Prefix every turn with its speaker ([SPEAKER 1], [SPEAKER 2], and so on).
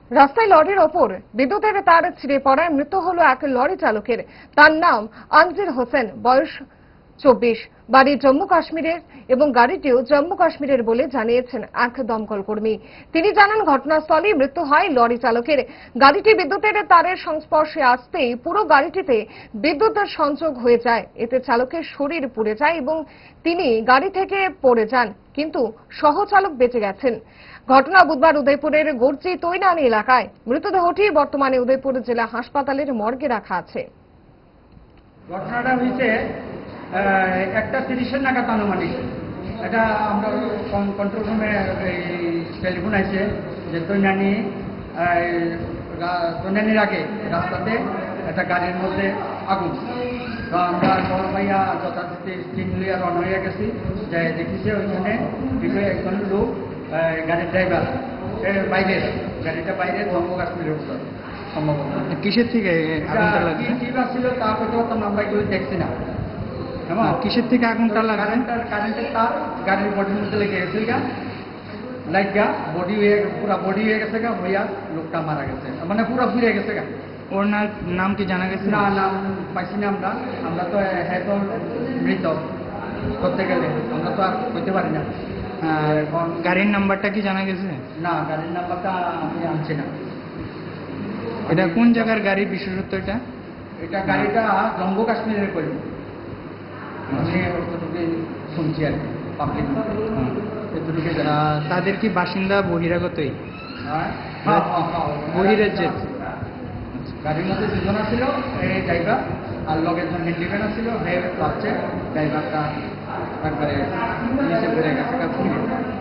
[SPEAKER 1] রাস্তায় লরির ওপর বিদ্যুতের তার ছিঁড়ে পড়ায় মৃত্যু হলো এক লরি চালকের। তার নাম আনজির হোসেন, বয়স 24, বাড়ি জম্মু কাশ্মীরের এবং গাড়িটিও জম্মু কাশ্মীরের বলে জানিয়েছেন এক দমকল কর্মী। তিনি জানান, ঘটনাস্থলেই মৃত্যু হয় লরি চালকের। গাড়িটি বিদ্যুতের তারের সংস্পর্শে আসতেই পুরো গাড়িটিতে বিদ্যুতের সংযোগ হয়ে যায়। এতে চালকের শরীর পুড়ে যায় এবং তিনি গাড়ি থেকে পড়ে যান, কিন্তু সহচালক বেঁচে গেছেন। ঘটনা বুধবার উদয়পুরের গর্জি তৈনানি এলাকায়। মৃতদেহটি বর্তমানে উদয়পুর জেলা হাসপাতালের মর্গে রাখা আছে।
[SPEAKER 2] ঘটনাটা হয়েছে 1:30 নাগাদ আনুমানিক। এটা আমরা কন্ট্রোল রুমে টেলিফোন আছে যে তৈনানির আগে রাস্তাতে একটা গাড়ির মধ্যে আগুন। তো আমরা বড় ভাইয়া যথারীতি স্টিম লিয়া রওনা হয়ে গেছি, যে দেখেছি ওইখানে একজন লোক, গাড়ির ড্রাইভার বাইরের, গাড়িটা বাইরে জম্মু কাশ্মীরের উত্তর সম্ভবত।
[SPEAKER 3] কিসের থেকে আগুনটা লাগছে?
[SPEAKER 2] কি ছিল তা করতে পারতাম, আমরা এগুলো দেখছি না।
[SPEAKER 3] কিসের থেকে আগুনটা লাগছে?
[SPEAKER 2] কারেন্টের তার গাড়ির বডির মধ্যে লেগে গেছে গা, লাইট গা বডি পুরা বডি হয়ে গেছে গা, হইয়া লোকটা মারা গেছে, মানে পুরো ফিরে গেছে গা।
[SPEAKER 3] ওর নাম কি জানা গেছে?
[SPEAKER 2] না, নাম পাইছি না আমরা তো হ্যাঁ তো মৃত করতে গেলে আমরা তো আর হইতে পারি না।
[SPEAKER 3] এখন গাড়ির নাম্বারটা কি জানা গেছে?
[SPEAKER 2] না, গাড়ির নাম্বারটা আমি আনছি না।
[SPEAKER 3] এটা কোন জায়গার গাড়ি, বিশেষত্ব এটা?
[SPEAKER 2] এটা গাড়িটা জম্মু কাশ্মীরের করি, আমি অতটুকু শুনছি আর কি, পাবলিক এতটুকু।
[SPEAKER 3] তাদের কি বাসিন্দা বহিরাগতই?
[SPEAKER 2] বহিরাজ্যের। গাড়ির মধ্যে দুজনা ছিল, এই ড্রাইভার আর লগের জন হ্যান্ডিম্যান ছিল, হে ভাবছে ড্রাইভারটা একবারে নিচে পড়ে গেছে।